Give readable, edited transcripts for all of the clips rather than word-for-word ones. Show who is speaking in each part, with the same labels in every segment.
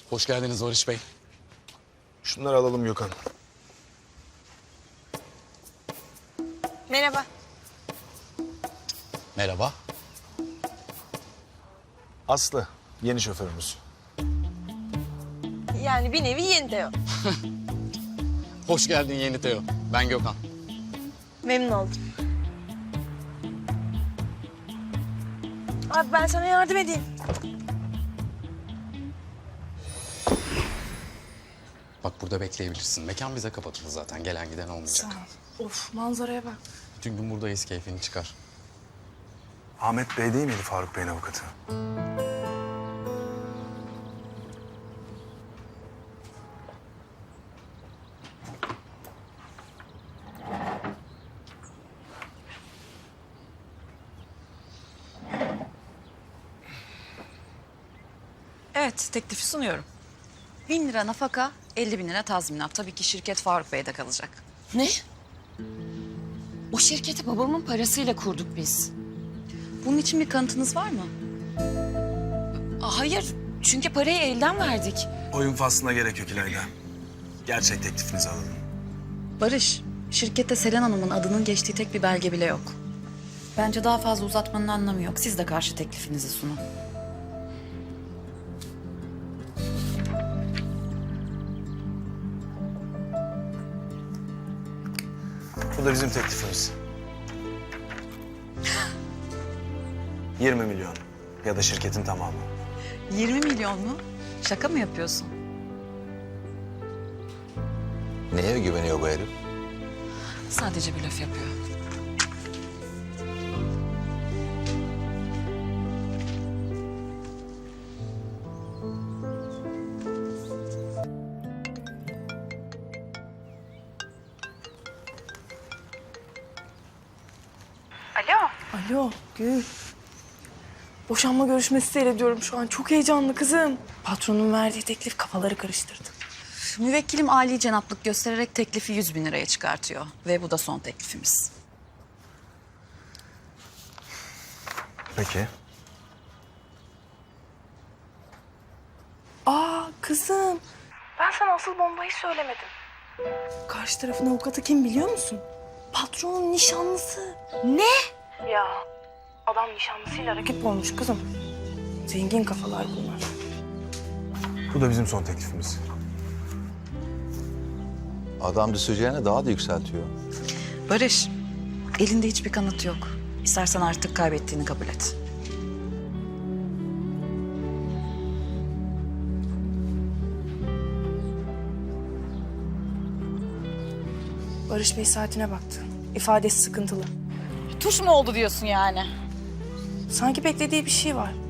Speaker 1: Hoş geldiniz Barış Bey.
Speaker 2: Şunları alalım Gökhan.
Speaker 3: Merhaba.
Speaker 1: Merhaba.
Speaker 2: Aslı, yeni şoförümüz.
Speaker 3: Yani bir nevi yeni Teo.
Speaker 1: Hoş geldin yeni Teo. Ben Gökhan.
Speaker 3: Memnun oldum. Abi ben sana yardım edeyim.
Speaker 1: Bak burada bekleyebilirsin. Mekan bize kapatıldı zaten. Gelen giden olmayacak.
Speaker 3: Of manzaraya bak.
Speaker 1: Bütün gün buradayız. Keyfini çıkar.
Speaker 2: Ahmet Bey değil miydi Faruk Bey'in avukatı?
Speaker 4: Evet, teklifi sunuyorum. 1.000 lira nafaka, 50.000 lira tazminat. Tabii ki şirket Faruk Bey'de kalacak.
Speaker 5: Ne? O şirketi babamın parasıyla kurduk biz.
Speaker 4: Bunun için bir kanıtınız var mı?
Speaker 5: Hayır, çünkü parayı elden verdik.
Speaker 2: Oyun faslına gerek yok İlayda. Gerçek teklifinizi alalım.
Speaker 4: Barış, şirkette Selen Hanım'ın adının geçtiği tek bir belge bile yok. Bence daha fazla uzatmanın anlamı yok. Siz de karşı teklifinizi sunun.
Speaker 2: Bu da bizim teklifimiz. 20 milyon ya da şirketin tamamı.
Speaker 4: 20 milyon mu? Şaka mı yapıyorsun?
Speaker 6: Neye güveniyor bu herif?
Speaker 4: Sadece bir laf yapıyor.
Speaker 3: Alo Gül. Boşanma görüşmesi seyrediyorum şu an. Çok heyecanlı kızım. Patronun verdiği teklif kafaları karıştırdı.
Speaker 4: Müvekkilim âli cenaplık göstererek teklifi 100.000 liraya çıkartıyor. Ve bu da son teklifimiz.
Speaker 2: Peki.
Speaker 3: Aa kızım. Ben sana asıl bombayı söylemedim. Karşı tarafın avukatı kim biliyor musun? Patronun nişanlısı.
Speaker 5: Ne?
Speaker 3: Ya adam nişanlısıyla rakip olmuş kızım. Zengin kafalar bunlar.
Speaker 2: Bu da bizim son teklifimiz.
Speaker 6: Adam düşeceğine daha da yükseltiyor.
Speaker 4: Barış, elinde hiçbir kanıt yok. İstersen artık kaybettiğini kabul et.
Speaker 3: Barış Bey saatine baktı. İfadesi sıkıntılı.
Speaker 5: Tuş mu oldu diyorsun yani?
Speaker 3: Sanki beklediği bir şey var.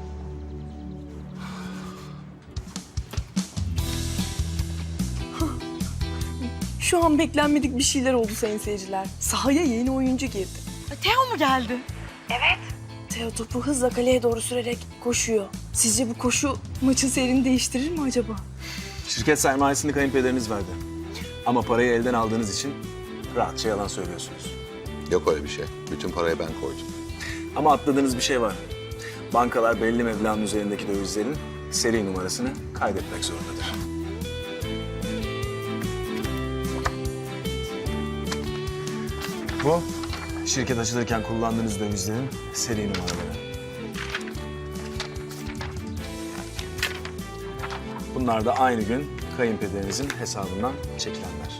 Speaker 3: Şu an beklenmedik bir şeyler oldu sayın seyirciler. Sahaya yeni oyuncu girdi.
Speaker 5: Teo mu geldi?
Speaker 3: Teo topu hızla kaleye doğru sürerek koşuyor. Sizce bu koşu maçın seyrini değiştirir mi acaba?
Speaker 2: Şirket sermayesini kayınpederiniz verdi. Ama parayı elden aldığınız için rahatça yalan söylüyorsunuz.
Speaker 6: Yok öyle bir şey. Bütün parayı ben koydum.
Speaker 2: Ama atladığınız bir şey var. Bankalar belli meblağın üzerindeki dövizlerin seri numarasını kaydetmek zorundadır. Bu, şirket açılırken kullandığınız dövizlerin seri numaraları. Bunlar da aynı gün kayınpederinizin hesabından çekilenler.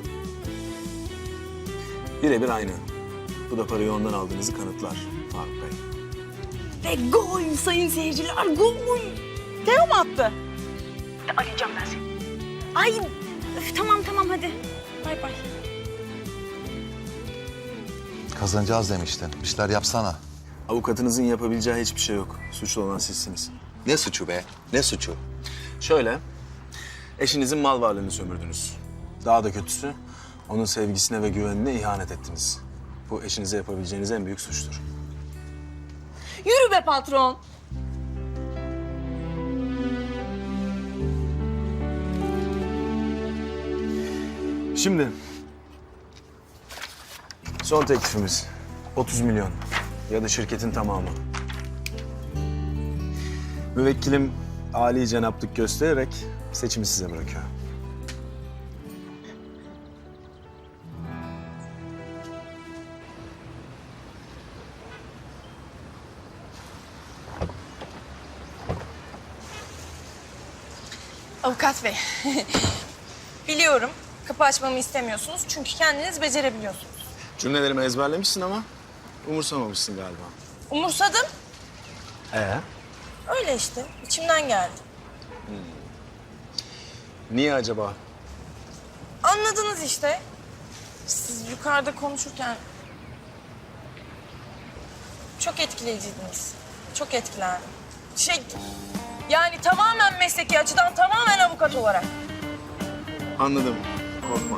Speaker 2: Birebir aynı. Bu da parayı ondan aldığınızı kanıtlar Faruk Bey.
Speaker 3: Ve gol sayın seyirciler, gol!
Speaker 5: Teo mu attı?
Speaker 3: Arayacağım ben seni. Ay tamam hadi. Bay bay.
Speaker 6: Kazanacağız demiştin. Bir şeyler yapsana.
Speaker 2: Avukatınızın yapabileceği hiçbir şey yok. Suçlu olan sizsiniz.
Speaker 6: Ne suçu be? Ne suçu?
Speaker 2: Şöyle, eşinizin mal varlığını sömürdünüz. Daha da kötüsü, onun sevgisine ve güvenine ihanet ettiniz. Bu eşinize yapabileceğiniz en büyük suçtur.
Speaker 3: Yürü be patron.
Speaker 2: Şimdi, son teklifimiz 30 milyon ya da şirketin tamamı. Müvekkilim âli cenaplık göstererek seçimi size bırakıyor.
Speaker 3: Avukat bey. Biliyorum kapı açmamı istemiyorsunuz çünkü kendiniz becerebiliyorsunuz.
Speaker 2: Cümlelerimi ezberlemişsin ama umursamamışsın galiba.
Speaker 3: Umursadım.
Speaker 2: Ee?
Speaker 3: Öyle işte. İçimden geldi.
Speaker 2: Niye acaba?
Speaker 3: Anladınız işte. Siz yukarıda konuşurken çok etkileyiciydiniz. Çok etkilendim. Yani tamamen mesleki açıdan, tamamen avukat olarak.
Speaker 2: Anladım. Korkma.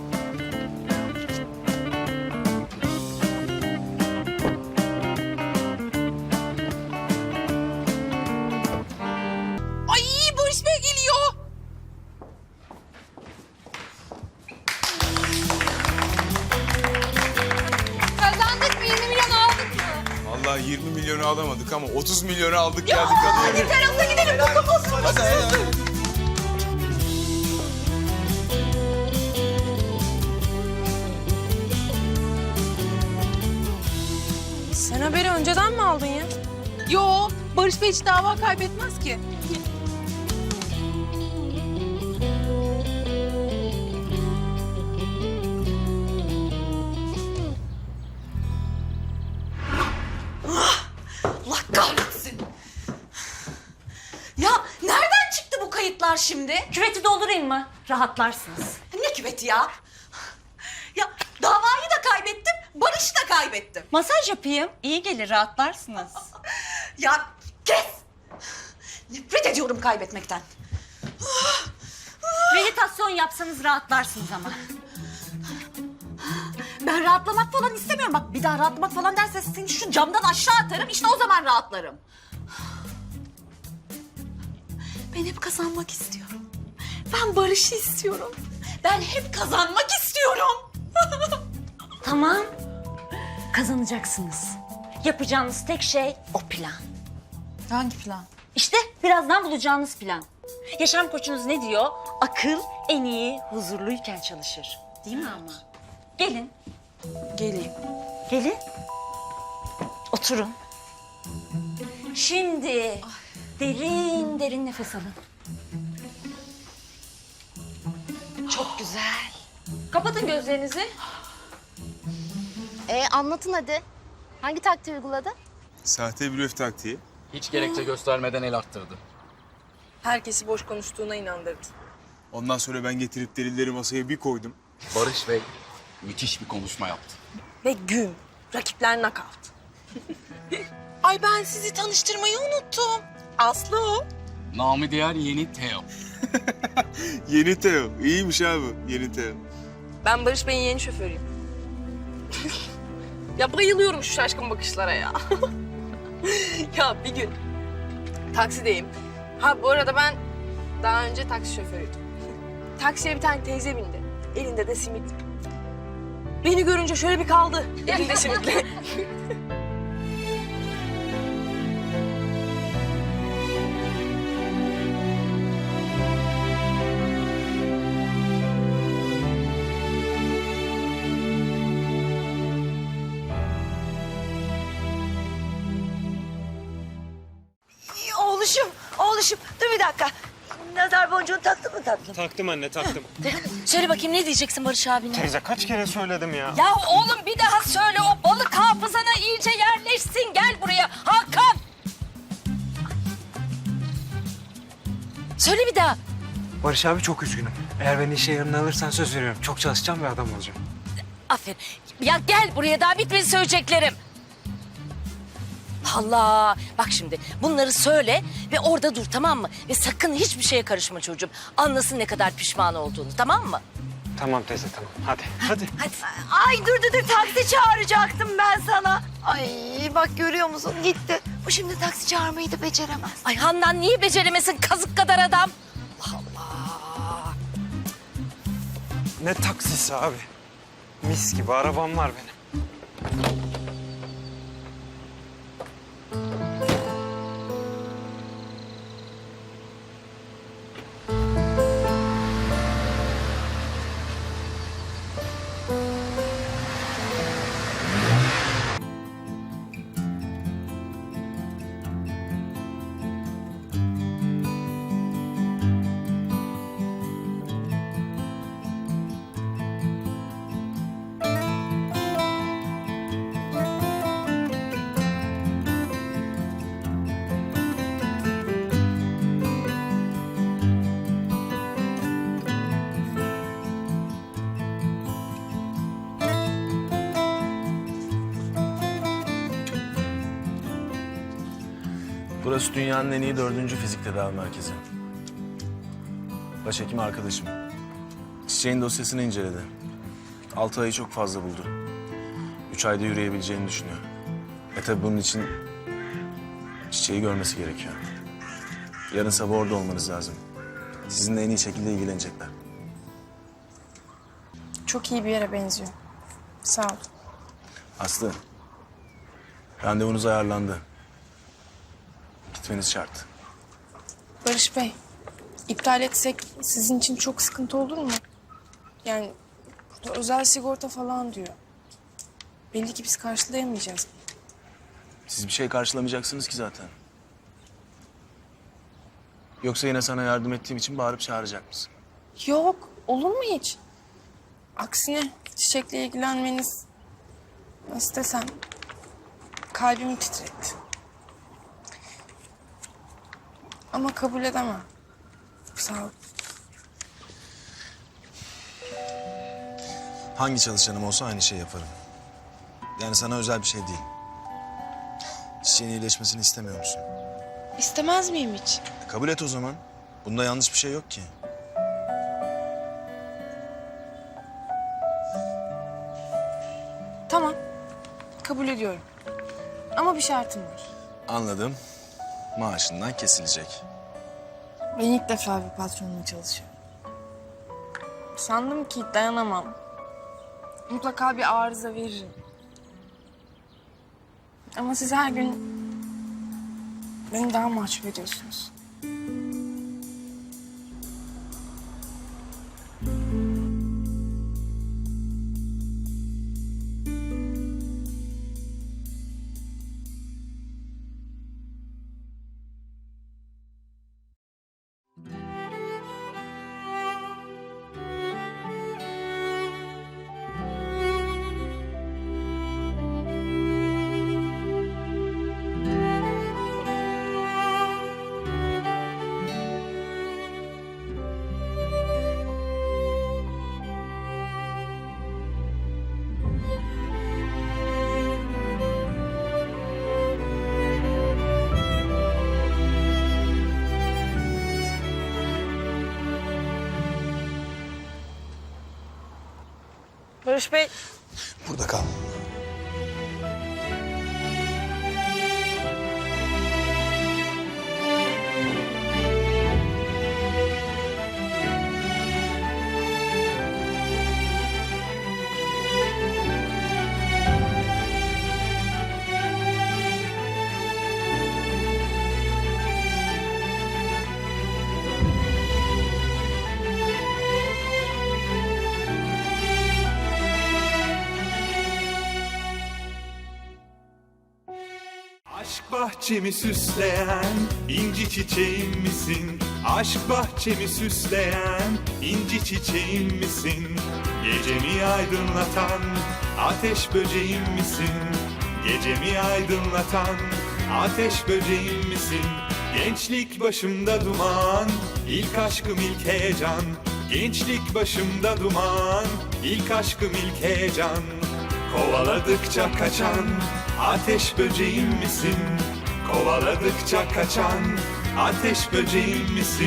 Speaker 5: Ay Barış Bey geliyor. Kazandık mı? 20 milyon aldık mı?
Speaker 7: Vallahi 20 milyonu alamadık ama 30 milyonu aldık geldik hadi.
Speaker 5: Yeter hızlı gidelim. Bu kafasını.
Speaker 7: Hadi.
Speaker 3: Sen haberi önceden mi aldın ya?
Speaker 5: Yo, Barış Bey hiç dava kaybetmez ki.
Speaker 4: Allah kahretsin. Ya nereden çıktı bu kayıtlar şimdi?
Speaker 8: Küveti doldurayım mı? Rahatlarsınız.
Speaker 4: Ne küveti ya? Ya davayı da kaybettim, Barış'ı da kaybettim.
Speaker 8: Masaj yapayım. İyi gelir, rahatlarsınız.
Speaker 4: Ya kes! Nefret ediyorum kaybetmekten.
Speaker 8: Meditasyon yapsanız rahatlarsınız ama.
Speaker 4: Ben rahatlamak falan istemiyorum. Bak bir daha rahatlamak falan derse seni şu camdan aşağı atarım. İşte o zaman rahatlarım. Ben hep kazanmak istiyorum. Ben Barış'ı istiyorum. Ben hep kazanmak istiyorum.
Speaker 8: Tamam. Kazanacaksınız. Yapacağınız tek şey o plan.
Speaker 5: Hangi plan?
Speaker 8: İşte birazdan bulacağınız plan. Yaşam koçunuz ne diyor? Akıl en iyi huzurluyken çalışır. Değil mi ama? Gelin.
Speaker 3: Geleyim.
Speaker 8: Gelin. Oturun. Şimdi derin derin nefes alın.
Speaker 4: Çok güzel.
Speaker 8: Kapatın gözlerinizi.
Speaker 9: Anlatın hadi. Hangi taktiği uyguladı?
Speaker 7: Sahte blöf taktiği.
Speaker 1: Hiç gerekçe göstermeden el arttırdı.
Speaker 3: Herkesi boş konuştuğuna inandırdı.
Speaker 7: Ondan sonra ben getirip delilleri masaya bir koydum.
Speaker 1: Barış Bey müthiş bir konuşma yaptı.
Speaker 3: Ve güm. Rakipler nakavt. Ay ben sizi tanıştırmayı unuttum. Aslı o.
Speaker 1: Namı diğer yeni Teo.
Speaker 7: Yeni Teo. İyiymiş abi. Yeni Teo.
Speaker 3: Ben Barış Bey'in yeni şoförüyüm. Ya bayılıyorum şu şaşkın bakışlara ya. Ya bir gün taksideyim. Ha bu arada ben daha önce taksi şoförüydüm. Taksiye bir tane teyze bindi. Elinde de simit. Beni görünce şöyle bir kaldı. Elinde simitle.
Speaker 10: Oğluşum dur bir dakika. Nazar boncuğunu taktın mı tatlım?
Speaker 11: Taktım anne, taktım.
Speaker 10: Söyle bakayım ne diyeceksin Barış abine?
Speaker 11: Teyze kaç kere söyledim ya.
Speaker 10: Ya oğlum bir daha söyle o balık hafızana iyice yerleşsin. Gel buraya Hakan. Söyle bir daha.
Speaker 11: Barış abi çok üzgünüm. Eğer beni işe yanına alırsan söz veriyorum. Çok çalışacağım bir adam olacağım.
Speaker 10: Aferin. Ya gel buraya daha bitmedi söyleyeceklerim. Allah. Bak şimdi bunları söyle ve orada dur tamam mı? Ve sakın hiçbir şeye karışma çocuğum. Anlasın ne kadar pişman olduğunu tamam mı?
Speaker 11: Tamam teyze tamam. Hadi.
Speaker 10: Hadi.
Speaker 9: Ay dur taksi çağıracaktım ben sana. Ay bak görüyor musun gitti. Bu şimdi taksi çağırmayı da beceremez.
Speaker 10: Ay Handan niye beceremesin kazık kadar adam? Allah Allah.
Speaker 11: Ne taksisi abi? Mis gibi arabam var benim.
Speaker 2: Burası dünyanın en iyi 4. fizik tedavi merkezi. Başhekim arkadaşım. Çiçeğin dosyasını inceledi. 6 ayı çok fazla buldu. 3 ayda yürüyebileceğini düşünüyor. Tabii bunun için Çiçeği görmesi gerekiyor. Yarın sabah orada olmanız lazım. Sizinle en iyi şekilde ilgilenecekler.
Speaker 3: Çok iyi bir yere benziyor. Sağ ol.
Speaker 2: Aslı, randevunuz ayarlandı. Gitmeniz şart.
Speaker 3: Barış Bey, iptal etsek sizin için çok sıkıntı olur mu? Yani burada özel sigorta falan diyor. Belli ki biz karşılayamayacağız.
Speaker 2: Siz bir şey karşılamayacaksınız ki zaten. Yoksa yine sana yardım ettiğim için bağırıp çağıracak mısın?
Speaker 3: Yok, olur mu hiç? Aksine Çiçek'le ilgilenmeniz, nasıl desem, kalbimi titretti. Ama kabul edemem. Sağ ol.
Speaker 2: Hangi çalışanım olsa aynı şey yaparım. Yani sana özel bir şey değil. Çiçeğin iyileşmesini istemiyor musun?
Speaker 3: İstemez miyim hiç?
Speaker 2: Kabul et o zaman. Bunda yanlış bir şey yok ki.
Speaker 3: Tamam, kabul ediyorum. Ama bir şartım var.
Speaker 2: Anladım. Maaşından kesilecek.
Speaker 3: Ben ilk defa bir patronla çalışıyorum. Sandım ki dayanamam. Mutlaka bir arıza veririm. Ama siz her gün beni daha mahcup ediyorsunuz. Barış Bey,
Speaker 2: Burada kal.
Speaker 12: Aşk bahçemi süsleyen inci çiçeğim misin? Aşk bahçemi süsleyen inci çiçeğim misin? Gecemi aydınlatan ateş böceğim misin? Gecemi aydınlatan ateş böceğim misin? Gençlik başımda duman, ilk aşkım ilk heyecan. Gençlik başımda duman, ilk aşkım ilk heyecan. Kovaladıkça kaçan ateş böceğim misin? Kovaladıkça kaçan ateş böceğim misin?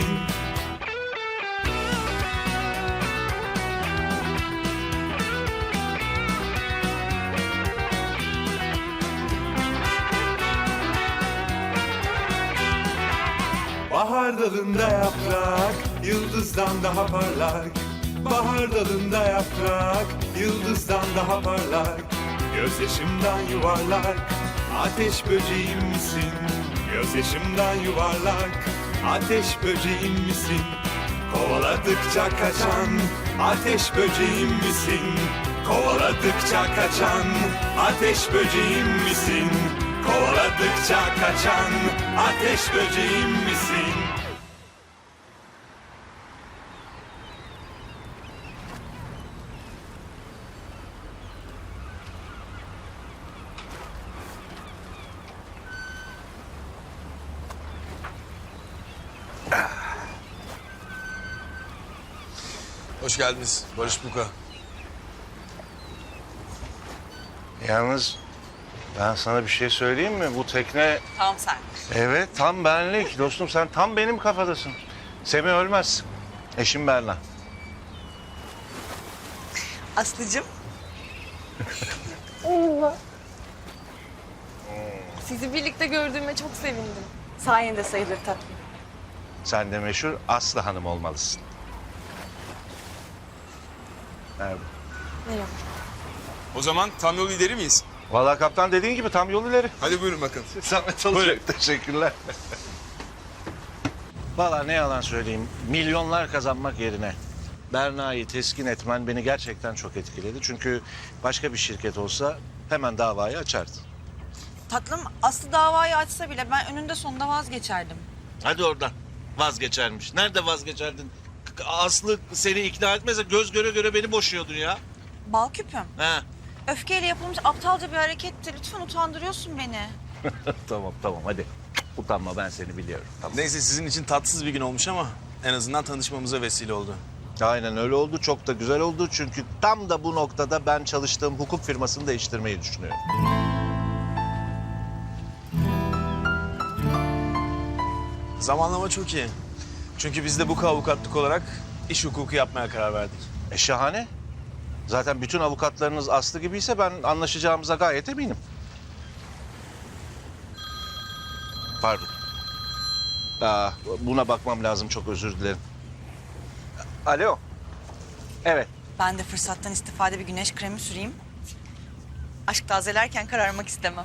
Speaker 12: Bahar dalında yaprak, yıldızdan daha parlak. Bahar dalında yaprak, yıldızdan daha parlak. Gözyaşımdan yuvarlak, ateş böceğim misin? Gözyaşımdan yuvarlak, ateş böceğim misin? Kovaladıkça kaçan, ateş böceğim misin? Kovaladıkça kaçan, ateş böceğim misin? Kovaladıkça kaçan, ateş böceğim misin?
Speaker 2: Hoş geldiniz Barış Buka.
Speaker 13: Yalnız Ben sana bir şey söyleyeyim mi? Bu tekne...
Speaker 5: Tamam sen.
Speaker 13: Evet, tam benlik. Dostum sen tam benim kafadasın. Semih ölmez. Eşim Berna.
Speaker 5: Aslıcığım.
Speaker 3: Sizi birlikte gördüğüme çok sevindim.
Speaker 5: Sayende sayılır tatlım.
Speaker 13: Sen de meşhur Aslı Hanım olmalısın. Merhaba.
Speaker 3: Merhaba.
Speaker 7: O zaman tam yol lideri miyiz?
Speaker 13: Vallahi kaptan dediğin gibi tam yol ileri.
Speaker 7: Hadi buyurun bakın.
Speaker 13: Zahmet olacak. Teşekkürler. Vallahi ne yalan söyleyeyim. Milyonlar kazanmak yerine Berna'yı teskin etmen beni gerçekten çok etkiledi. Çünkü başka bir şirket olsa hemen davayı açardı.
Speaker 5: Tatlım Aslı davayı açsa bile ben önünde sonunda vazgeçerdim.
Speaker 13: Hadi oradan. Vazgeçermiş. Nerede vazgeçerdin? Aslı seni ikna etmese göz göre göre beni boşuyordun ya.
Speaker 5: Bal küpüm.
Speaker 13: Ha.
Speaker 5: Öfkeyle yapılmış aptalca bir hareketti. Lütfen utandırıyorsun beni.
Speaker 13: Tamam hadi. Utanma ben seni biliyorum. Tamam.
Speaker 2: Neyse sizin için tatsız bir gün olmuş ama en azından tanışmamıza vesile oldu.
Speaker 13: Aynen öyle oldu. Çok da güzel oldu. Çünkü tam da bu noktada ben çalıştığım hukuk firmasını değiştirmeyi düşünüyorum.
Speaker 2: Zamanlama çok iyi. Çünkü biz de bu avukatlık olarak iş hukuku yapmaya karar verdik.
Speaker 13: Şahane. Zaten bütün avukatlarınız Aslı gibiyse ben anlaşacağımıza gayet eminim. Pardon. Buna bakmam lazım. Çok özür dilerim. Alo. Evet.
Speaker 5: Ben de fırsattan istifade bir güneş kremi süreyim. Aşk tazelerken kararmak istemem.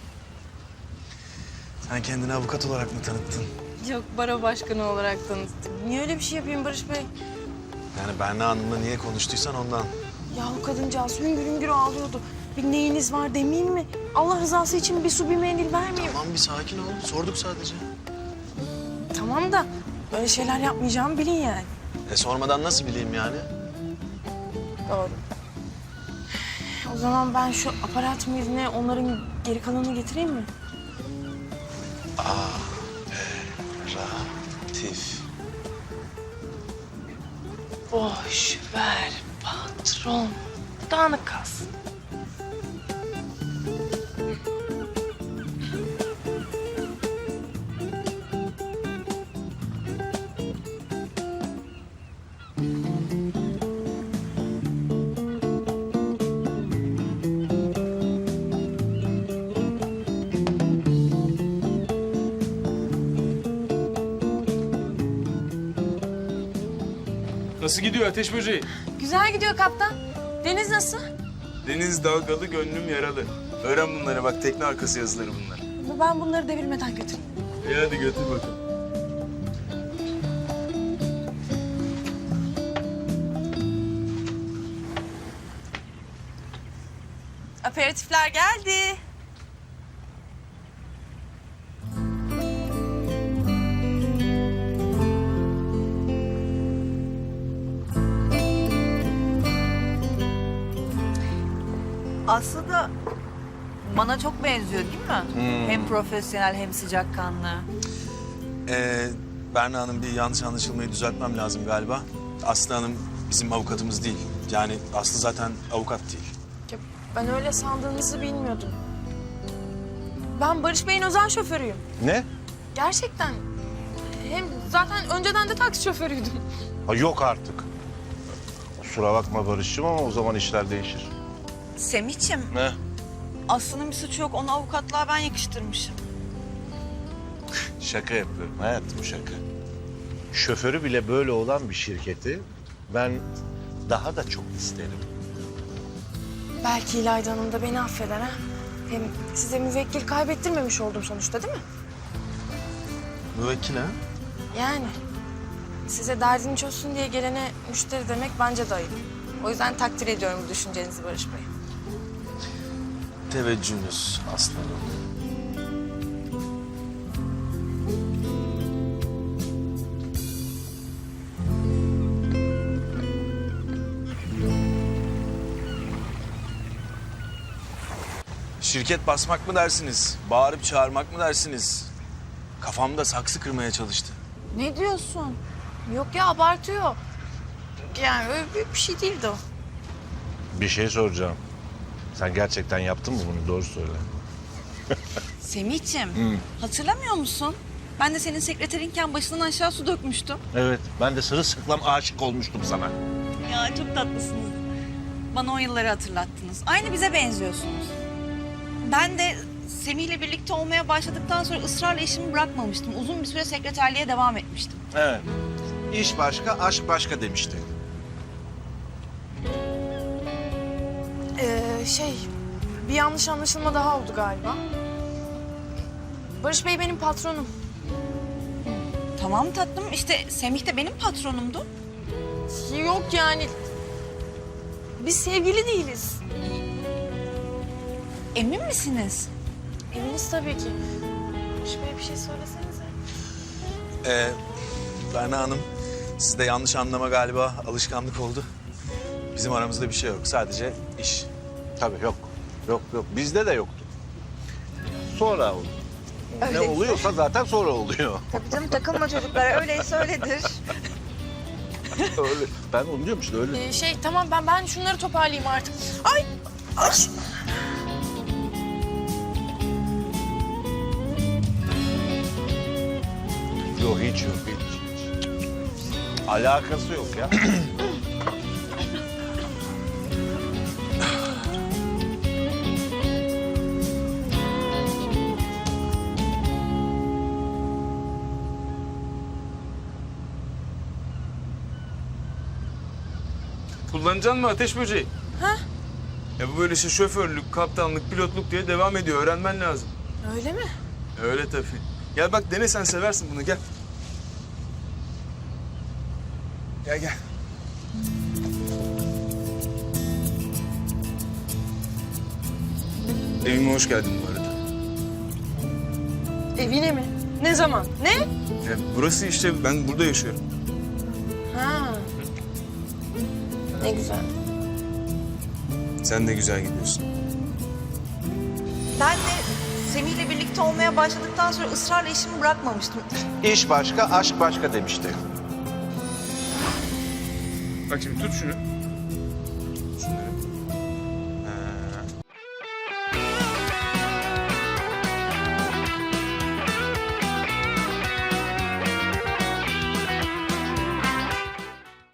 Speaker 2: Sen kendini avukat olarak mı tanıttın?
Speaker 3: Yok, baro başkanı olarak tanıttım. Niye öyle bir şey yapayım Barış Bey?
Speaker 2: Yani Berna Hanım'la niye konuştuysan ondan.
Speaker 3: Ya o kadıncağız hüngür hüngür ağlıyordu. Bir neyiniz var demeyeyim mi? Allah rızası için bir su bir mendil vermeyeyim.
Speaker 2: Tamam bir sakin ol. Sorduk sadece.
Speaker 3: Tamam da böyle şeyler yapmayacağımı bilin yani.
Speaker 2: Sormadan nasıl bileyim yani?
Speaker 3: Doğru. O zaman ben şu aparat yerine onların geri kalanını getireyim mi?
Speaker 2: Tif.
Speaker 3: Boş ver patron. Dağınık kalsın.
Speaker 7: Nasıl gidiyor ateş böceği?
Speaker 3: Güzel gidiyor kaptan. Deniz nasıl?
Speaker 7: Deniz dalgalı, gönlüm yaralı. Öğren bunları bak, tekne arkası yazıları bunlar.
Speaker 3: Ben bunları devirmeden götüreyim.
Speaker 7: Hadi götür bakalım.
Speaker 5: Aperatifler geldi. Aslı da bana çok benziyor değil mi? Hem profesyonel hem sıcakkanlı.
Speaker 2: Berna Hanım bir yanlış anlaşılmayı düzeltmem lazım galiba. Aslı Hanım bizim avukatımız değil. Yani Aslı zaten avukat değil.
Speaker 3: Ya ben öyle sandığınızı bilmiyordum. Ben Barış Bey'in özel şoförüyüm.
Speaker 13: Ne?
Speaker 3: Gerçekten. Hem zaten önceden de taksi şoförüydüm.
Speaker 13: Yok artık. Kusura bakma Barış'cığım ama o zaman işler değişir.
Speaker 5: Semih'ciğim,
Speaker 13: Ne?
Speaker 5: Aslı'nın bir suçu yok. Onu avukatlığa ben yakıştırmışım.
Speaker 13: Şaka yapıyorum hayatım, şaka. Şoförü bile böyle olan bir şirketi ben daha da çok isterim.
Speaker 3: Belki İlayda Hanım da beni affeder ha. Hem size müvekkil kaybettirmemiş oldum sonuçta değil mi?
Speaker 2: Müvekkil ha?
Speaker 3: Yani size derdini çözsün diye gelene müşteri demek bence de ayıp. O yüzden takdir ediyorum bu düşüncenizi Barış Bey.
Speaker 2: Teveccühünüz Aslı Hanım. Şirket basmak mı dersiniz? Bağırıp çağırmak mı dersiniz? Kafamda saksı kırmaya çalıştı.
Speaker 3: Ne diyorsun? Yok ya abartıyor. Yani öyle büyük bir şey değildi o.
Speaker 13: Bir şey soracağım. Sen gerçekten yaptın mı bunu? Doğru söyle.
Speaker 5: Semih'ciğim, hatırlamıyor musun? Ben de senin sekreterinken başından aşağı su dökmüştüm.
Speaker 13: Evet, ben de sırılsıklam aşık olmuştum sana.
Speaker 5: Ya çok tatlısınız. Bana o yılları hatırlattınız. Aynı bize benziyorsunuz. Ben de Semih'le birlikte olmaya başladıktan sonra ısrarla işimi bırakmamıştım. Uzun bir süre sekreterliğe devam etmiştim.
Speaker 13: Evet. İş başka, aşk başka demişti.
Speaker 3: Bir yanlış anlaşılma daha oldu galiba. Barış Bey benim patronum.
Speaker 5: Tamam tatlım, işte Semih de benim patronumdu.
Speaker 3: Yok yani. Biz sevgili değiliz.
Speaker 5: Emin misiniz?
Speaker 3: Eminiz tabii ki. Barış Bey bir şey söylesenize.
Speaker 7: Berna Hanım, sizde yanlış anlama galiba alışkanlık oldu. Bizim aramızda bir şey yok. Sadece iş.
Speaker 13: Tabii yok. Yok. Bizde de yoktu. Sonra oldu. Ne oluyorsa zaten sonra oluyor.
Speaker 5: Tabii canım, takılma çocuklara. Öyleyse öyledir.
Speaker 13: Öyle. Ben onu diyorum işte öyle.
Speaker 3: Tamam ben şunları toparlayayım artık. Ay! Ay!
Speaker 13: Yok hiç. Alakası yok ya.
Speaker 7: Kullanacaksın mı ateş böceği? Ha? Ya bu böyle işte şoförlük, kaptanlık, pilotluk diye devam ediyor. Öğrenmen lazım.
Speaker 3: Öyle mi?
Speaker 7: Öyle tabii. Gel bak dene, sen seversin bunu, gel. Gel. Evime hoş geldin bu arada.
Speaker 3: Evine mi? Ne zaman? Ne?
Speaker 7: Ya burası işte, ben burada yaşıyorum.
Speaker 3: Ha. Ne güzel.
Speaker 7: Sen de güzel gidiyorsun.
Speaker 5: Ben de Semih'le birlikte olmaya başladıktan sonra ısrarla işimi bırakmamıştım.
Speaker 13: İş başka, aşk başka demişti.
Speaker 7: Bak şimdi tut şunu.